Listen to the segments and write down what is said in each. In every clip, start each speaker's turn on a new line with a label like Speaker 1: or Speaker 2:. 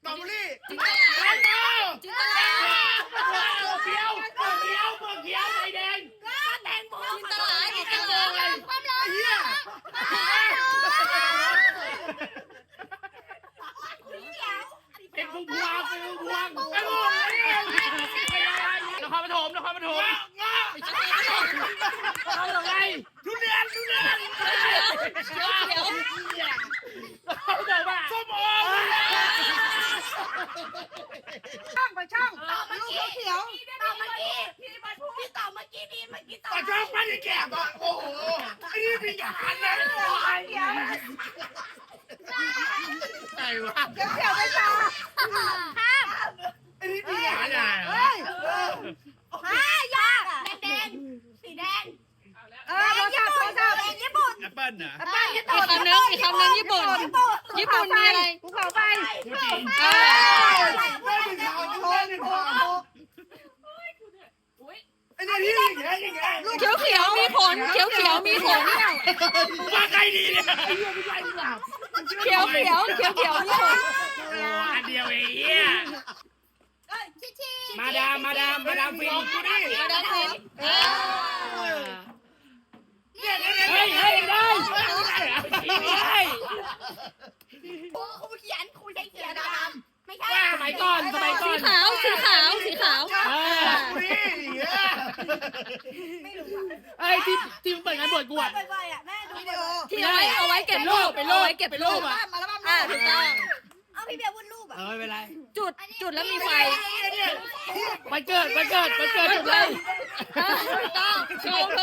Speaker 1: ตอเบอรี่
Speaker 2: จิงตลา
Speaker 1: จิงตลาเขียวไฟแดงแตงโม
Speaker 2: จิงตลาจิงตลาความร้อน
Speaker 1: เฮียเป็นพวงไอ้พวกนครปฐมเอาอะไรทุเรียนเขียวเขาเดินว่าส้มโอ
Speaker 3: ช่องลูกเขียวต่อเมื่อกี้ต่อเมื่อกี้ต่อ
Speaker 1: ช่องมันแก่ป่ะโอ้โหไอ้นี่มีงานเลยไหนวะ
Speaker 3: เขียวไปต่อ
Speaker 1: ไอ้นี่มีงานอ่ะ
Speaker 3: ยากแดงสีแดงโทรศัพท์ญี่ปุ่น
Speaker 1: แอปเปิ้ลนะ
Speaker 2: อีกคำนึงญี่ปุ่นมีอะไร
Speaker 3: ภูเขาไฟ
Speaker 1: ฟูจิ ไอ้นี่ที่อย่างเงี้ย
Speaker 2: เขียวมีผลมีผล
Speaker 1: ว่าใครดีเนี่ยไอ้เหี้ยไม่ใช่ดีกว่า
Speaker 2: เขียวมีผล
Speaker 1: อันเดียวเองมาดามฟินกูดิ
Speaker 2: มาดามฟิน
Speaker 1: เฮ้ยได้ไม่ได้
Speaker 3: ครูเขียนครูใช้เขียนไม่ใช่
Speaker 1: สมัยก่อน
Speaker 2: สีขาว
Speaker 3: ไม่รู้
Speaker 1: ไอ้ที่เปิดงานบวชกูอ่ะ
Speaker 3: บ่อยๆแม่ดูวิดีโอ
Speaker 2: ที่เอาไว้เก็บรูปอ่ะถูกต้อง
Speaker 3: เอาพี่เบียร์วาดรูปอ่ะ
Speaker 1: ไม่เป็นไร
Speaker 2: จุดแล้วมีไฟ
Speaker 1: วันเกิดจุดเลย
Speaker 2: ถูกต้องถูก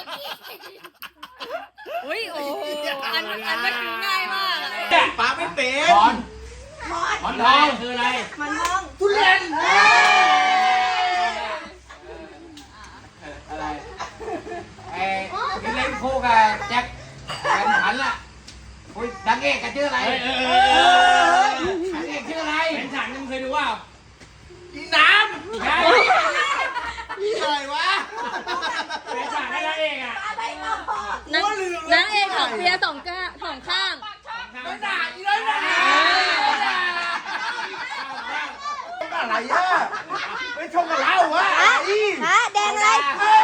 Speaker 2: อุ้ยโอ้อันเมื่อกี้ง่ายมาก
Speaker 4: ปาไม่เป็น
Speaker 1: หมอนทองคืออะไร
Speaker 3: มันมอง
Speaker 1: ทุเรียน
Speaker 4: อะไรที่เล่นคู่กับแจ็คแฟนฉันล่ะคุยดังเอกกันชื่ออะไรดังเอกชื่ออะไร
Speaker 1: เป็นฉันมึงเคยดูว่า
Speaker 4: อีน้ำใช่อะไรวะ
Speaker 1: เป็นฉันได้แล้วเองอ่ะ
Speaker 3: อะไรมอง
Speaker 2: นางเอกของเปียสองข้าง
Speaker 4: ไม่ด่าอีน้อยด่าอะไรอ่ะไม่ชงกับเราวะอี
Speaker 3: แดงอะไร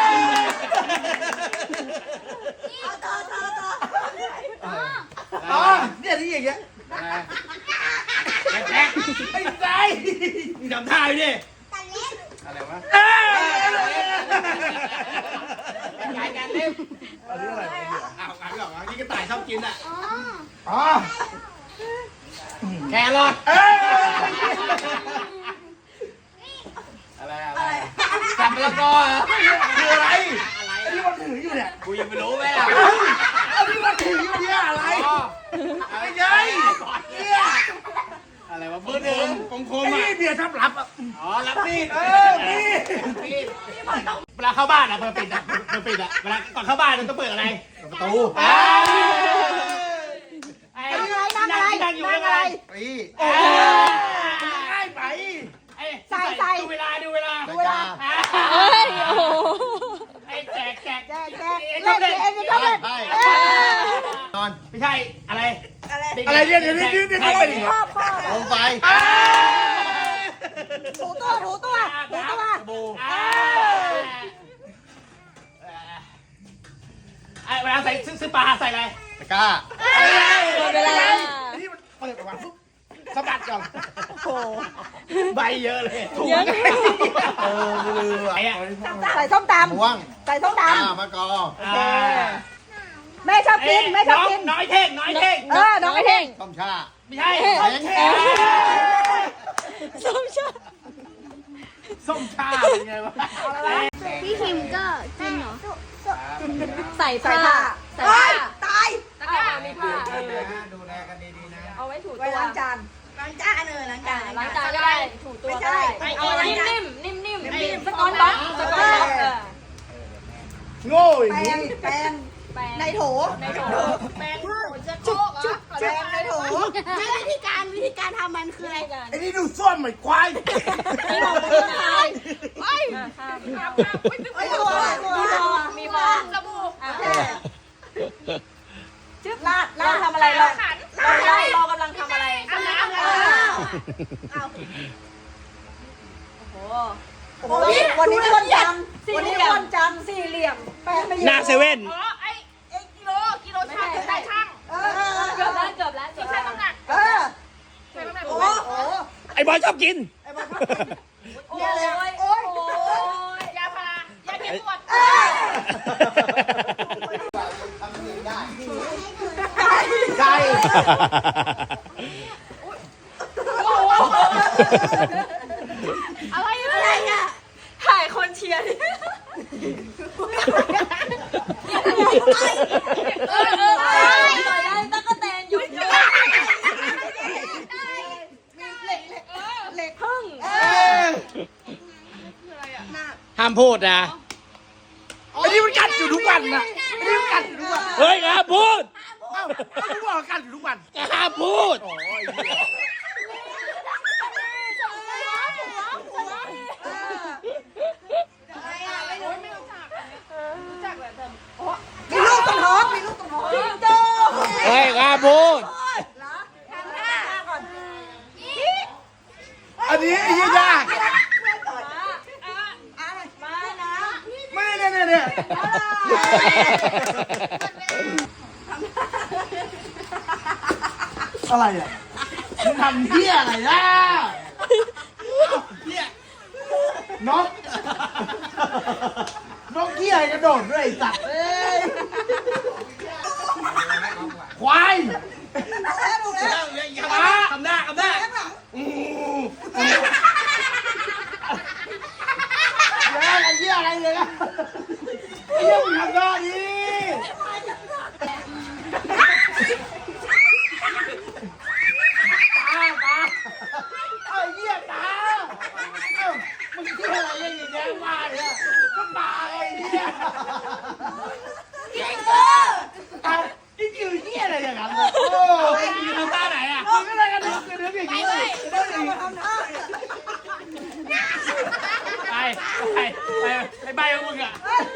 Speaker 4: อ๋อเนี่ยที่อย่างเงี้ย
Speaker 1: แจ็คไอ้ใจมึงจำท่าอยู่ดิ
Speaker 4: อะไรวะ
Speaker 1: การเล่ม
Speaker 4: อันนี้อะไร
Speaker 1: อ้าวอ่านนี่กระต่ายชอบกินอ่ะ
Speaker 4: อ๋อ
Speaker 1: แครอท
Speaker 4: อะไร
Speaker 1: จับมะละกอเหรอ
Speaker 4: คืออะไรอันนี้มันถืออยู่เนี่ย
Speaker 1: กูยังไม่รู้ไหมล่ะ
Speaker 4: อันนี้มันถืออยู่เนี่ยอะไรอะไรไงเนี่ย
Speaker 1: อะไรวะมือหนึ่งคม
Speaker 4: ไอ้
Speaker 1: อ่ะ
Speaker 4: นี่เบียร์ทับรับอ่ะ
Speaker 1: อ๋อรับมีด
Speaker 4: นี่
Speaker 1: เวลาเข้าบ้านอ่ะเปิดปิดอ่ะเวลาก่อนเข้าบ้านมันต้องเปิดอะไร
Speaker 4: ประตู
Speaker 1: นั่งอยู่เรื่องอะไร
Speaker 4: ปี
Speaker 1: โอ้
Speaker 4: ง่ายไป
Speaker 1: ดูเวลา
Speaker 2: เฮ้ยโอ้โห
Speaker 1: ไอ้แจก
Speaker 3: แดง
Speaker 1: ชอบเล่น
Speaker 4: นอน
Speaker 1: ไม่ใช่อะไร
Speaker 4: อะไรเนี่ยเดี๋ยวเข้าไปดิ ลงไป
Speaker 3: ถูตัว
Speaker 1: บู เวลาใส่ซื้อปลาใส่อะไร
Speaker 4: ตะกร้า
Speaker 2: หมดเวลา
Speaker 4: นี่มันเปิดออกมาปุ๊บสะบัดก่อน
Speaker 1: ใบเยอะเลย
Speaker 2: เยอะ
Speaker 4: ไม่ลืม
Speaker 1: ไอ้อะ
Speaker 3: ใส่ส้มต
Speaker 4: ม่วง
Speaker 3: ำใส่ส้มต
Speaker 4: มะกอ
Speaker 3: ำแม่ชอบกิน
Speaker 1: น้อยเท่ง
Speaker 3: น้องไอ้เท่ง
Speaker 4: ต้มชา
Speaker 1: ไม่ใช่ ส้มชาเป็นไงวะ
Speaker 5: พี่คิมก็กินเหรอ
Speaker 2: ใส่ผ้า
Speaker 3: ตาย
Speaker 2: ตะกร้ามีผ้า
Speaker 4: ดูแลกันดีๆนะ
Speaker 2: เอาไว้ถู
Speaker 3: ไว้
Speaker 2: ตัว
Speaker 3: ล้างจานล้างจานล้างจาน
Speaker 2: ล้างจานก็ได้ถูตัวก็ได้
Speaker 3: เอา
Speaker 2: นิ่มสกอตบ็อก
Speaker 1: โง่อ
Speaker 3: แป
Speaker 1: ย่าง
Speaker 3: รง
Speaker 1: นี้
Speaker 3: แปรงในโถ
Speaker 2: ในโถ
Speaker 3: แปรงในโถวิธีการทำมันคืออะไร
Speaker 4: ไอ้นี่ดูส้วมเหมือนควาย
Speaker 2: ในโถมีฟองมีฟองสบู่
Speaker 3: ลาดทำอะไรเรากำลังทำอะไรวันนี้วันจันทร์วันนี้วันจันทร์สี่เหลี่ยมแปลไม่เยอะ
Speaker 2: หน้าเซเว่น
Speaker 1: อ๋อไอ้กิโลช่างใส่ช่าง
Speaker 2: เกือบแล้ว
Speaker 1: ที่ช่างน้ำหนัก ใช่ไหม
Speaker 3: โอ้โห
Speaker 2: ไอ้บอยชอบกิน
Speaker 3: เนี่ยเลยโอ้ย
Speaker 1: ยาพารายาแก้ปวด
Speaker 4: ไก่
Speaker 3: อะไรอ่ะ
Speaker 2: ถ่ายคนเชียร์ดิ
Speaker 3: ตั้งกระแตนอยู่เหล็กพึ่ง
Speaker 2: ห้ามพูดนะ
Speaker 4: ไอ้นี่มันกัดอยู่ทุกวันนะไอ้นี่มันกัดอยู่ทุกวัน
Speaker 2: เฮ้ยห้ามพูด
Speaker 4: ทุกวันกัดอยู่ทุกวัน
Speaker 2: ห้ามพูด
Speaker 3: มีลูกตรงท้องมีลูกตรงท้องโจ
Speaker 2: เฮ้ยห้ามพูด
Speaker 3: ทำหน้าก่อน
Speaker 4: อันนี้ไอ้ยี่ยาก
Speaker 3: มานะ
Speaker 4: ไม่เนี่ยอะไรอ่ะมึงทำเหี้ยอะไรล่ะเหี้ยนกเหี้ยกระโดดด้วยไอ้สัตว์เอ้ยควาย
Speaker 3: ถูกแล้ว
Speaker 2: ทำหน้า
Speaker 4: แล้วอะไรเหี้ยอะไรเลยนะเหี้ยมึงทำหน้าดิตาไอ้เหี้ยตามึงเหี้ยอะไรอย่างเงี้ยมาเนี่ยก็ตาไอ้เหี้ยนี่คือเหี้ยอะไรอย่างนั้นเลยโอ้ย
Speaker 2: ทำหน้าไหนอ่ะ
Speaker 4: มึงก็เลยกระดึ๊บอย่างนี้เลย
Speaker 3: ทำหน้า
Speaker 2: ไปใบของมึงอ่ะ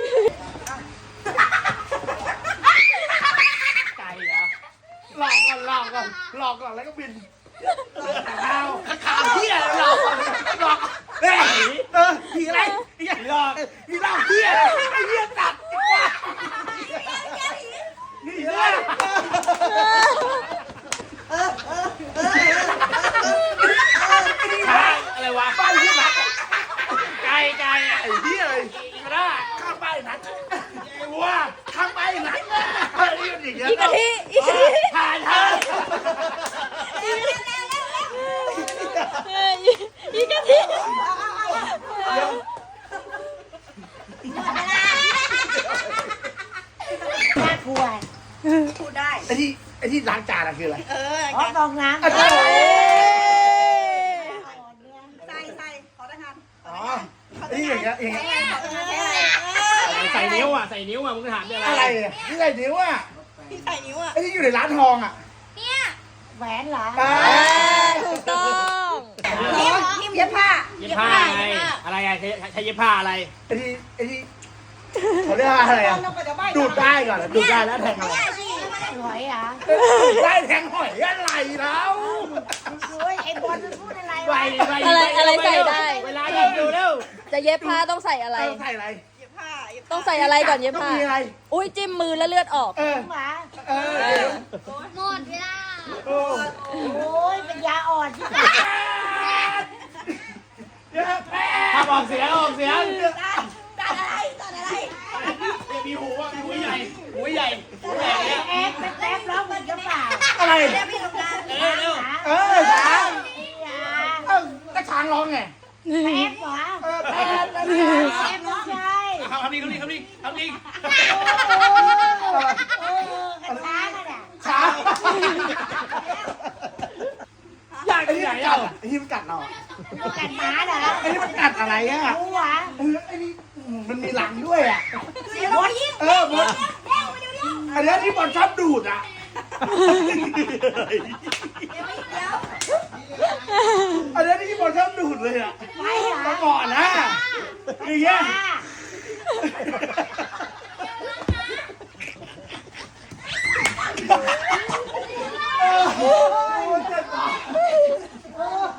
Speaker 2: ไก่เหรอ
Speaker 4: หลอกก่อนแล้วก็บินข่าวเหี้ยหลอกเฮ้ยผีอะไรผีหลอกผีเล่าเหี้ยไอ้เหี้ยตัดนี่เหี้ย
Speaker 2: อะไรวะ
Speaker 4: ป้ายเหี้ยนัด
Speaker 2: ไก่อะ
Speaker 4: ไอ้เหี้ยเลย
Speaker 2: กระด้า
Speaker 4: ข้างป้ายนัดไอ้วัวข้างป้ายนัดไอ้นี่มันอย่างเงี้ย
Speaker 2: อีกะทิผ่านทาง อีกะทิ
Speaker 3: พูดได้
Speaker 4: ไอ้ที่ล้างจานอะคืออะไร
Speaker 3: อ๋อฟองน้ำ
Speaker 4: อาจารย์
Speaker 3: ใส่ขอทหาร
Speaker 4: อ๋อไอ้ที่อย่างเงี้ย
Speaker 2: ใส่นิ้วอ่ะมึงถามอะไร
Speaker 4: อะไรอ่ะนี่ไงนิ้วอ่ะ
Speaker 3: ที่ใส่นิ้วอ่ะ
Speaker 4: ไอ้ที่อยู่ในร้านทองอ่ะ
Speaker 3: แหวนเหรอ
Speaker 2: ถูกต้อง
Speaker 3: ทิมเย็บผ้า
Speaker 2: เย็บผ้าอะไรอะไรอะใช้เย็บผ้าอะไร
Speaker 4: ไอ้ที่เขาเรียกว่าอะไรอ่ะดูดได้ก่อนดูดได้แล้วแทงอะไร
Speaker 3: หอยอ่ะ
Speaker 4: ได้แทงหอยอะไรแล้ว
Speaker 3: โอ้ยไอ้บอลมันพูดอะไร
Speaker 2: ใส่
Speaker 3: วะ
Speaker 2: อะไรใส่ได้ เวลาหยิบดูเร็ว
Speaker 6: จะเย็บผ้าต้องใส่อะไร
Speaker 4: ใส่อะไร
Speaker 3: เย็บผ้า
Speaker 6: ต้องใส่อะไรก่อนเย็บ
Speaker 4: ต้อง
Speaker 6: ผ้า
Speaker 4: มีอะไร
Speaker 6: อุ้ยจิ้มมือแล้วเลือดออก
Speaker 4: เออ
Speaker 3: หมา
Speaker 5: หมดเวลา
Speaker 4: โอ้
Speaker 3: โอ้ยเป็นยาอ่อนที่ไหน
Speaker 4: เยอะแม่
Speaker 2: ถ้าออกเสียง
Speaker 3: ตัดอะไร
Speaker 2: มีหูอ่ะมีหูใหญ่เนี่ย
Speaker 3: แอบเป็นแอบร้องมันจะเปล่า
Speaker 4: อะไร
Speaker 3: แอบพี่ทำงาน
Speaker 2: เร็ว
Speaker 4: ช้างก็ช้างร้องไง
Speaker 3: แอบหรอ
Speaker 4: แม่
Speaker 3: แอบน้องชาย
Speaker 2: ทำนี่
Speaker 3: กระช้างอ่ะ
Speaker 4: ช้าง
Speaker 2: อยากที่ไหนอ่ะ
Speaker 4: ไอ้ที่มันกัดเรา
Speaker 3: กันหมาเหรอ
Speaker 4: ไอ้ที่มันกัดอะไรอ่ะ
Speaker 3: รู้หวะ
Speaker 4: ไอ้นี่มันมีหลังด้วยอ่ะ
Speaker 3: มดยิ่ง
Speaker 4: มดอันนี้ที่บอลชอบดูดอ่ะอันนี้ที่บอลชอบดูดเลยอ่ะ
Speaker 3: ไม่เหรอ
Speaker 4: ก่อนนะอย่างเงี้ยโอ้โหเจ็บปาก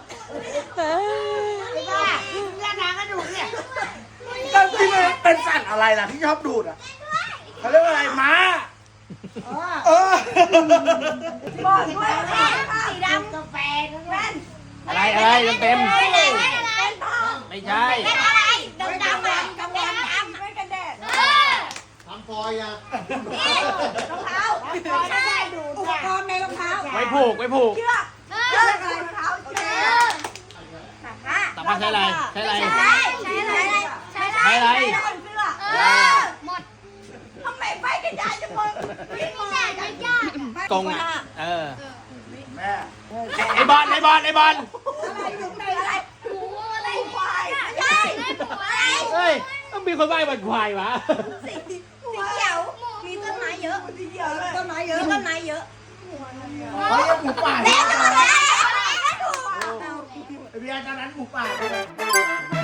Speaker 4: อะไรล่ะที่ชอบดูดอ่ะเขาเรียกว่าอะไรม้าเออ
Speaker 3: บอกด้วยสีดำกาแฟแว่น
Speaker 1: อะไรเต็ม
Speaker 3: เป็นทอง
Speaker 1: ไม่ใช่
Speaker 3: เป็นอะไรดำดำอ่ะกาแฟดำไม่กันแดด
Speaker 5: ทำฟอยอ่ะ
Speaker 3: นี่รองเท้าไม่ได้ดูอุปกรณ์ในรองเท้า
Speaker 1: ไว้ผูก
Speaker 3: เชือกอะไรรองเท้าเชือก
Speaker 1: ต่อมาใช้อะไรใช้อะไร
Speaker 3: ใช้อะไรเสื้อ
Speaker 5: หมด
Speaker 3: ทำไมไปกันยายจะมึงวิ่งมา
Speaker 5: แต่ยาก
Speaker 1: กงอ่ะ
Speaker 4: แม่
Speaker 1: ไอบอล
Speaker 3: อะไรอยู่ในอะไร
Speaker 5: หมูอะไร
Speaker 3: ควายใช่ควาย
Speaker 1: เฮ้ยต้องมีคนใบ้บันควายวะ
Speaker 3: สีเขียวมีต้นไม้เยอะสีเขียวเลยต้นไม้เยอะต้นไม้เยอะ
Speaker 4: เขาเรียกหมูป่า
Speaker 3: แล้วถูก
Speaker 4: ไอเบียร์ตอนนั้นหมูป่า